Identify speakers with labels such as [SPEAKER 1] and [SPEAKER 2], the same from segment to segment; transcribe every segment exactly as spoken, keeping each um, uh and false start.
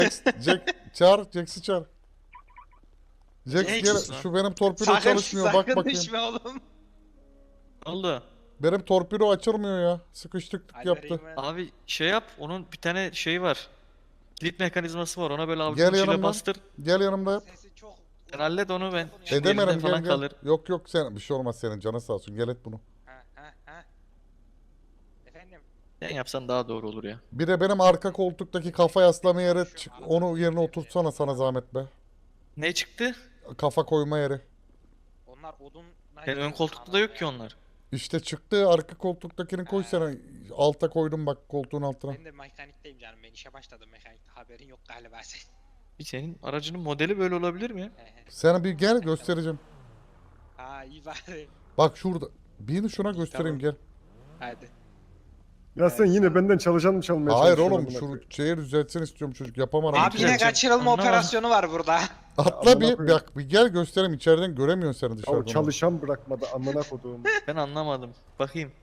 [SPEAKER 1] Jax, Jack, çağır. Jax'i çağır. Jax
[SPEAKER 2] Jax
[SPEAKER 1] gel.
[SPEAKER 2] lan.
[SPEAKER 1] Şu benim torpido
[SPEAKER 2] Sakın,
[SPEAKER 1] çalışmıyor. Bak
[SPEAKER 2] sakın
[SPEAKER 1] bakayım.
[SPEAKER 2] düşme oğlum.
[SPEAKER 3] Ne oldu?
[SPEAKER 1] Benim torpido açılmıyor ya. Sıkıştık
[SPEAKER 2] Hadi
[SPEAKER 1] yaptı.
[SPEAKER 2] vereyim ben.
[SPEAKER 3] Abi şey yap. Onun bir tane şeyi var. Kilit mekanizması var. Ona böyle
[SPEAKER 1] Gel
[SPEAKER 3] avucun içiyle
[SPEAKER 1] yanımdan.
[SPEAKER 3] bastır.
[SPEAKER 1] Gel yanımda yap.
[SPEAKER 2] Sesi çok...
[SPEAKER 3] Sen hallet onu ben.
[SPEAKER 2] Çok-
[SPEAKER 3] Şimdi elimde
[SPEAKER 1] Edemedim
[SPEAKER 3] falan
[SPEAKER 1] gel gel.
[SPEAKER 3] kalır.
[SPEAKER 1] Yok yok sen bir şey olmaz senin canın sağ olsun. Gel et bunu.
[SPEAKER 2] Ha ha ha. Efendim.
[SPEAKER 3] Sen yapsan daha doğru olur ya.
[SPEAKER 1] Bir de benim arka koltuktaki kafa yaslama yeri çık. Onu yerine oturtsana sana zahmet be.
[SPEAKER 3] Ne çıktı?
[SPEAKER 1] Kafa koyma yeri.
[SPEAKER 2] Onlar odun...
[SPEAKER 3] Yani ön koltukta da yok ki onlar.
[SPEAKER 1] İşte çıktı arka koltuktakini koy sana. Alta koydum bak koltuğun altına.
[SPEAKER 2] Ben de mekanikteyim canım. Ben işe başladım mekanikte. Haberin yok galiba senin.
[SPEAKER 3] Bir senin aracının modeli böyle olabilir mi ya?
[SPEAKER 1] Sen bir gel göstereceğim.
[SPEAKER 2] Ha iyi bari.
[SPEAKER 1] Bak şurada. Bir şuna göstereyim gel.
[SPEAKER 2] Hadi.
[SPEAKER 4] Ya sen yine benden çalışan mı çalmaya
[SPEAKER 1] Hayır
[SPEAKER 4] çalışıyorsun
[SPEAKER 1] oğlum
[SPEAKER 4] amına
[SPEAKER 1] şunu
[SPEAKER 4] koyayım?
[SPEAKER 1] şehir düzeltsin istiyorum çocuk yapamadım.
[SPEAKER 2] Abi yine
[SPEAKER 3] güzel.
[SPEAKER 2] kaçırılma
[SPEAKER 3] Anlamadım.
[SPEAKER 2] operasyonu var burada.
[SPEAKER 1] Atla
[SPEAKER 4] amına
[SPEAKER 1] bir
[SPEAKER 4] koyayım.
[SPEAKER 1] bak bir gel göstereyim içeriden göremiyorsun seni
[SPEAKER 4] Ya
[SPEAKER 1] dışarıdan.
[SPEAKER 4] çalışan bırakmadı amına koduğum.
[SPEAKER 3] Ben anlamadım. Bakayım.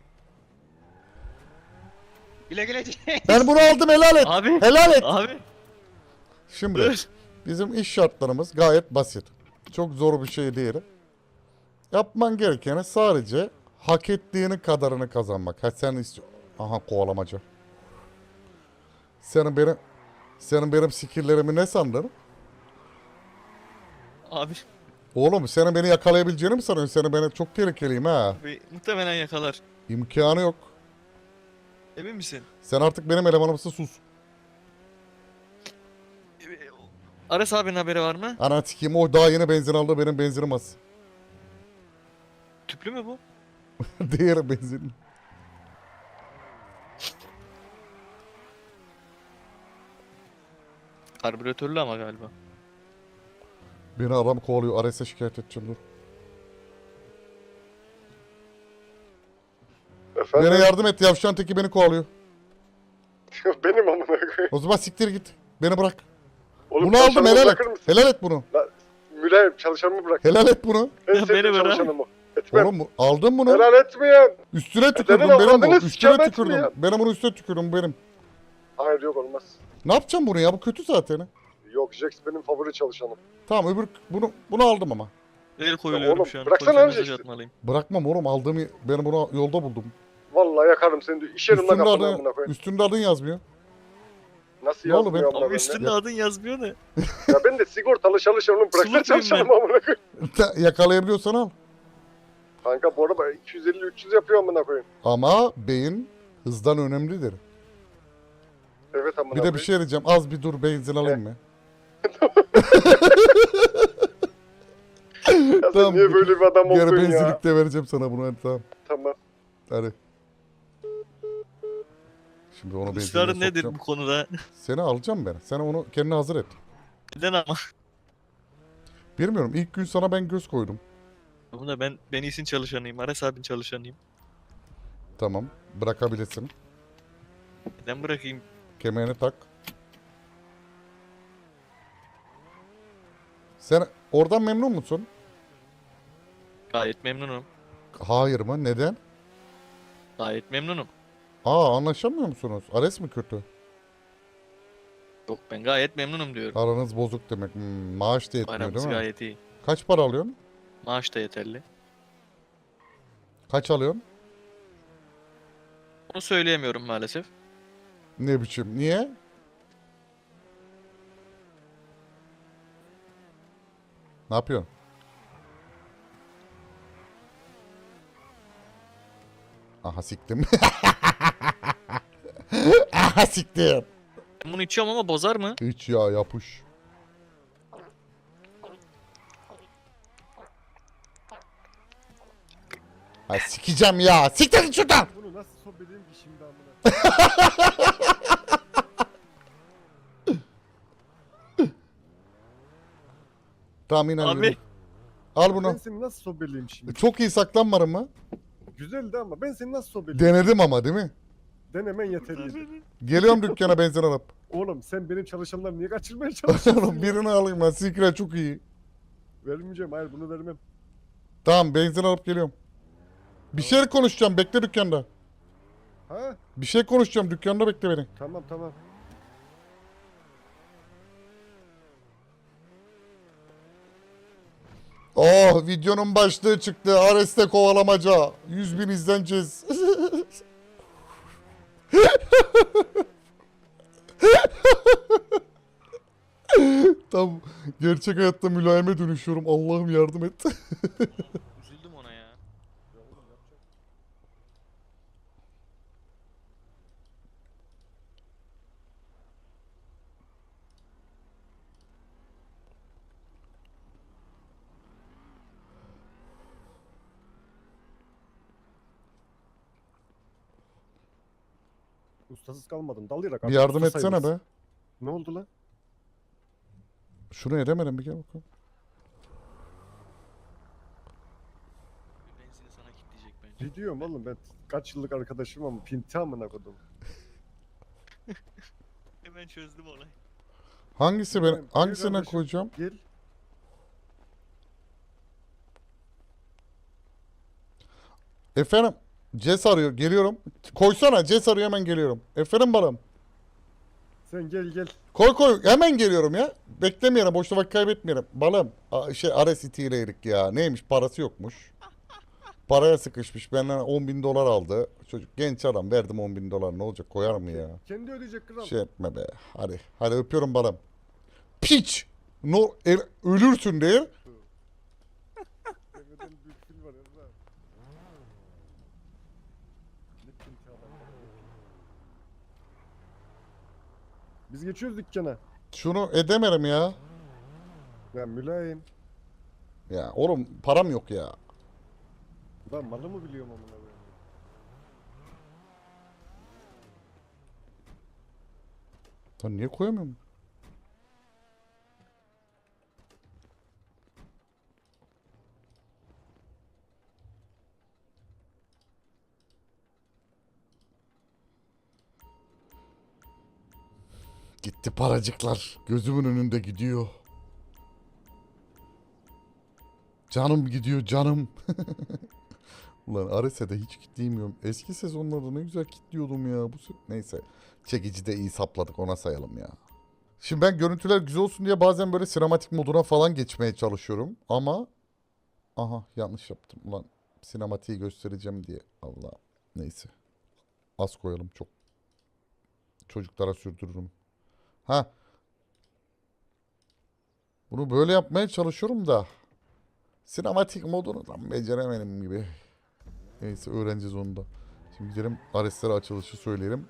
[SPEAKER 2] Güle güle.
[SPEAKER 1] Ben bunu aldım helal et.
[SPEAKER 3] Abi.
[SPEAKER 1] Helal et.
[SPEAKER 3] Abi.
[SPEAKER 1] Şimdi
[SPEAKER 3] Dur.
[SPEAKER 1] bizim iş şartlarımız gayet basit. Çok zor bir şey değil. Yapman gerekeni sadece hak ettiğini kadarını kazanmak. Ha sen istiyor. Aha kovalamacı. Senin benim senin benim skill'lerimi ne sandın?
[SPEAKER 3] Abi.
[SPEAKER 1] Oğlum senin beni yakalayabileceğini mi sanıyorsun? Senin beni çok tehlikeliyim ha.
[SPEAKER 3] Abi muhtemelen yakalar.
[SPEAKER 1] İmkanı yok.
[SPEAKER 3] Emin misin?
[SPEAKER 1] Sen artık benim elemanımsın sus.
[SPEAKER 3] Ares abinin haberi var mı?
[SPEAKER 1] Ana sikeyim o daha yeni benzin aldı benim benzinim az.
[SPEAKER 3] Tüplü mü bu?
[SPEAKER 1] Diğer benzin.
[SPEAKER 3] Karbüratörlü ama galiba.
[SPEAKER 1] Beni adam kovalıyor. Ares'e şikayet edeceğim dur.
[SPEAKER 4] Efendim?
[SPEAKER 1] Bana yardım et yavşan teki beni kovalıyor.
[SPEAKER 4] Benim amına koyayım.
[SPEAKER 1] O zaman siktir git. Beni bırak.
[SPEAKER 4] Oğlum
[SPEAKER 1] Bunu aldım
[SPEAKER 4] çalışanımı
[SPEAKER 1] helal et.
[SPEAKER 4] bırakır mısın?
[SPEAKER 1] Helal et bunu.
[SPEAKER 4] Mülayim çalışanımı bırak.
[SPEAKER 1] Helal et bunu.
[SPEAKER 4] En
[SPEAKER 3] Ya
[SPEAKER 4] sevdiğim
[SPEAKER 3] beni bırak.
[SPEAKER 4] çalışanım o. Etmem.
[SPEAKER 1] Oğlum bu- aldın bunu.
[SPEAKER 4] Helal etmeyen.
[SPEAKER 1] Üstüne tükürdüm
[SPEAKER 4] Senin
[SPEAKER 1] benim bu.
[SPEAKER 4] avradını
[SPEAKER 1] Üstüne
[SPEAKER 4] sikemez mi
[SPEAKER 1] tükürdüm.
[SPEAKER 4] ya?
[SPEAKER 1] Benim bunu üstüne tükürdüm benim.
[SPEAKER 4] Hayır yok olmaz.
[SPEAKER 1] Ne yapacağım bunu ya? Bu kötü zaten.
[SPEAKER 4] Yok Jax benim favori çalışanım.
[SPEAKER 1] Tamam öbür bunu bunu aldım ama.
[SPEAKER 3] El koyuluyorum
[SPEAKER 4] oğlum,
[SPEAKER 3] şu an.
[SPEAKER 4] bıraksana
[SPEAKER 3] Polise
[SPEAKER 4] abi
[SPEAKER 3] mesaj
[SPEAKER 4] işte.
[SPEAKER 3] atmalıyım.
[SPEAKER 1] Bırakmam oğlum aldığımı ben bunu yolda buldum.
[SPEAKER 4] Vallahi yakarım seni. de. İş yerimden
[SPEAKER 1] Üstünde
[SPEAKER 4] kapını
[SPEAKER 1] adın,
[SPEAKER 4] amına koyayım.
[SPEAKER 1] üstünde adın yazmıyor.
[SPEAKER 4] Nasıl
[SPEAKER 1] Ne oldu
[SPEAKER 4] yazmıyor
[SPEAKER 1] ben-
[SPEAKER 4] amına
[SPEAKER 3] Abi
[SPEAKER 4] koyayım
[SPEAKER 3] üstünde adın yazmıyor ne?
[SPEAKER 4] ya? Ya ben de sigortalı çalışanım. Bıraksana
[SPEAKER 3] Sulu muyum
[SPEAKER 4] çalışanım
[SPEAKER 3] ben?
[SPEAKER 4] amına koyayım.
[SPEAKER 1] Yakalayabiliyorsan al.
[SPEAKER 4] Kanka bu arada iki yüz elli üç yüz yapıyor amına koyayım.
[SPEAKER 1] Ama beyin hızdan önemlidir.
[SPEAKER 4] Evet amına
[SPEAKER 1] Bir de
[SPEAKER 4] koyayım.
[SPEAKER 1] bir şey diyeceğim. Az bir dur benzin alayım mı?
[SPEAKER 4] Ya sen
[SPEAKER 1] Tamam,
[SPEAKER 4] niye böyle bir adam
[SPEAKER 1] Geri
[SPEAKER 4] oldun ya?
[SPEAKER 1] benzinlikte vereceğim sana bunu hadi tamam.
[SPEAKER 4] Tamam.
[SPEAKER 1] Hadi. Şimdi onu benzinliğe
[SPEAKER 3] Israrın nedir
[SPEAKER 1] sokacağım.
[SPEAKER 3] bu konuda?
[SPEAKER 1] Seni alacağım ben. Sen onu kendine hazır et.
[SPEAKER 3] Neden ama?
[SPEAKER 1] Bilmiyorum. İlk gün sana ben göz koydum.
[SPEAKER 3] Bunda ben ben iyisin çalışanıyım. Ares abinin çalışanıyım.
[SPEAKER 1] Tamam. Bırakabilirsin.
[SPEAKER 3] Neden bırakayım?
[SPEAKER 1] Kemerini tak. Sen oradan memnun musun?
[SPEAKER 3] Gayet memnunum.
[SPEAKER 1] Hayır mı? Neden?
[SPEAKER 3] Gayet memnunum.
[SPEAKER 1] Aa anlaşamıyor musunuz? Ares mi kötü?
[SPEAKER 3] Yok ben gayet memnunum diyorum.
[SPEAKER 1] Aranız bozuk demek. Hmm, maaş da yetmiyor
[SPEAKER 3] Aramız
[SPEAKER 1] değil mi?
[SPEAKER 3] gayet iyi.
[SPEAKER 1] Kaç para alıyorsun?
[SPEAKER 3] Maaş da yeterli.
[SPEAKER 1] Kaç alıyorsun?
[SPEAKER 3] Onu söyleyemiyorum maalesef.
[SPEAKER 1] Ne biçim? Niye? Ne yapıyorsun? Aha siktim. Aha siktim.
[SPEAKER 3] Ben bunu içiyorum ama bozar mı?
[SPEAKER 1] Hiç ya yapış. Ha sikeceğim ya. Siktir git şuradan.
[SPEAKER 4] Bunu nasıl sohbedeyim ki şimdi amına?
[SPEAKER 1] Tamam in
[SPEAKER 3] Abi.
[SPEAKER 1] Al
[SPEAKER 4] Ben
[SPEAKER 1] bunu.
[SPEAKER 4] seni nasıl sohbeleyim şimdi?
[SPEAKER 1] Çok iyi saklanmarım mı?
[SPEAKER 4] Güzeldi ama ben seni nasıl sohbeleyim?
[SPEAKER 1] Denedim ama değil mi?
[SPEAKER 4] Denemen yeterliydi.
[SPEAKER 1] Geliyorum dükkana benzin alıp.
[SPEAKER 4] Oğlum sen benim çalışanları niye kaçırmaya çalışıyorsun?
[SPEAKER 1] Oğlum birini alayım ben. Sikre çok iyi.
[SPEAKER 4] Vermeyeceğim hayır bunu vermem.
[SPEAKER 1] Tamam benzin alıp geliyorum. Bir şey konuşacağım. Bekle dükkanda.
[SPEAKER 4] Ha?
[SPEAKER 1] Bir şey konuşacağım. Dükkanda bekle beni.
[SPEAKER 4] Tamam tamam.
[SPEAKER 1] Oh, videonun başlığı çıktı. Ares'te kovalamaca. yüz bin izleneceğiz. Tam gerçek hayatta mülayime dönüşüyorum. Allah'ım yardım et.
[SPEAKER 3] Üzüldüm ona ya.
[SPEAKER 4] Ustasız kalmadın. Dalayarak
[SPEAKER 1] Bir
[SPEAKER 4] artık
[SPEAKER 1] yardım
[SPEAKER 4] usta
[SPEAKER 1] etsene
[SPEAKER 4] sayılırsın.
[SPEAKER 1] be.
[SPEAKER 4] Ne oldu lan?
[SPEAKER 1] Şunu edemedim, bir gel bakalım.
[SPEAKER 3] Benzini sana kilitleyecek bence.
[SPEAKER 4] Ne diyorum oğlum ben kaç yıllık arkadaşım ama pinti amına kodum.
[SPEAKER 3] Hemen çözdüm olayı.
[SPEAKER 1] Hangisi ben
[SPEAKER 4] Bilmiyorum, gel
[SPEAKER 1] hangisine
[SPEAKER 4] kardeşim.
[SPEAKER 1] koyacağım?
[SPEAKER 4] Gel.
[SPEAKER 1] Efendim, Ces arıyor, geliyorum. Koysana, Ces arıyor, hemen geliyorum. Efendim balım.
[SPEAKER 4] Sen gel gel.
[SPEAKER 1] Koy koy, hemen geliyorum ya. Beklemeyelim, boşta vakit kaybetmeyelim. Balım, a- şey Ares itiyle erik ya. Neymiş, parası yokmuş. Paraya sıkışmış, benden on bin dolar aldı. Çocuk genç adam, verdim on bin dolar, ne olacak, koyar mı ya?
[SPEAKER 4] Kendi ödeyecek kral.
[SPEAKER 1] Şey etme be, hadi. Hadi öpüyorum balım. Piç! No, el- ölürsün değil.
[SPEAKER 4] Deveden büyük fil var Ezra. Ne pinti adam. Biz geçiyoruz dükkana.
[SPEAKER 1] Şunu edemedim ya.
[SPEAKER 4] Ya mülayim.
[SPEAKER 1] Ya oğlum, param yok ya.
[SPEAKER 4] Lan malı mı biliyorum amına koyayım.
[SPEAKER 1] Lan niye koyamıyorum? Gitti paracıklar. Gözümün önünde gidiyor. Canım gidiyor canım. Ulan Ares'e hiç kitleyemiyorum. Eski sezonlarda ne güzel kitliyordum ya. Bu se- Neyse. Çekici de iyi sapladık, ona sayalım ya. Şimdi ben görüntüler güzel olsun diye bazen böyle sinematik moduna falan geçmeye çalışıyorum. Ama aha, yanlış yaptım. Ulan sinematiği göstereceğim diye. Allah. Neyse. Az koyalım çok. Çocuklara sürdürürüm. Ha. Bunu böyle yapmaya çalışıyorum da. Sinematik modunu tam beceremedim gibi. Neyse, öğreneceğiz onu da. Şimdi gidelim Ares'lere açılışı söyleyelim.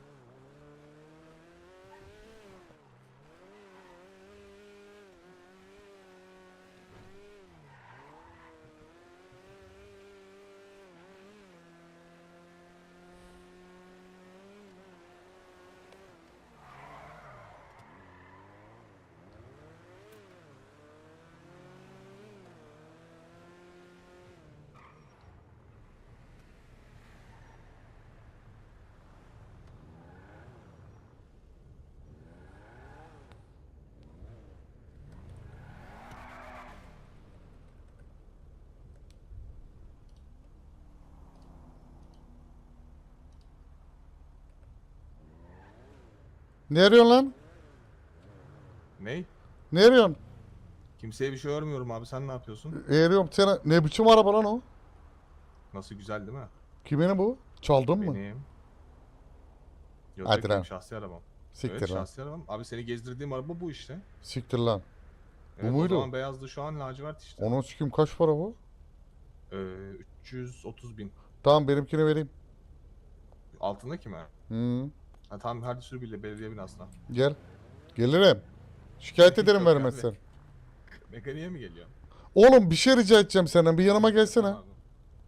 [SPEAKER 1] Ne arıyorsun lan?
[SPEAKER 5] Ney?
[SPEAKER 1] Ne arıyorsun?
[SPEAKER 5] Kimseye bir şey örmüyorum abi, sen ne yapıyorsun?
[SPEAKER 1] E, arıyorum sana. Ne biçim araba lan o?
[SPEAKER 5] Nasıl, güzel değil mi?
[SPEAKER 1] Kimin bu? Çaldın mı?
[SPEAKER 5] Benim. Yok,
[SPEAKER 1] Hadi
[SPEAKER 5] yok,
[SPEAKER 1] lan.
[SPEAKER 5] benim şahsi arabam.
[SPEAKER 1] Siktir
[SPEAKER 5] Evet,
[SPEAKER 1] lan.
[SPEAKER 5] şahsi arabam. Abi seni gezdirdiğim araba bu işte.
[SPEAKER 1] Siktir lan.
[SPEAKER 5] Evet,
[SPEAKER 1] muydu?
[SPEAKER 5] O zaman beyazdı, şu an lacivert işte.
[SPEAKER 1] Onun sikim kaç para bu?
[SPEAKER 5] Ee, üç yüz otuz bin.
[SPEAKER 1] Tamam, benimkini vereyim.
[SPEAKER 5] Altındaki mi?
[SPEAKER 1] Hı.
[SPEAKER 5] Ha tamam, hadi sür bile belediye binasına.
[SPEAKER 1] Gel. Gelirim. Şikayet ederim
[SPEAKER 5] Yok
[SPEAKER 1] vermezsen.
[SPEAKER 5] abi. Mekaniğe mi geliyor?
[SPEAKER 1] Oğlum bir şey rica edeceğim senden. Bir yanıma gelsene.
[SPEAKER 5] Tamam abi.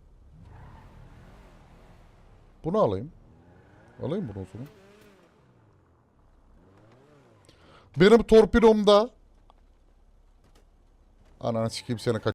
[SPEAKER 1] Bunu alayım. Alayım bunu o zaman. Benim torpidomda... Ananı sikeyim seni, kaç.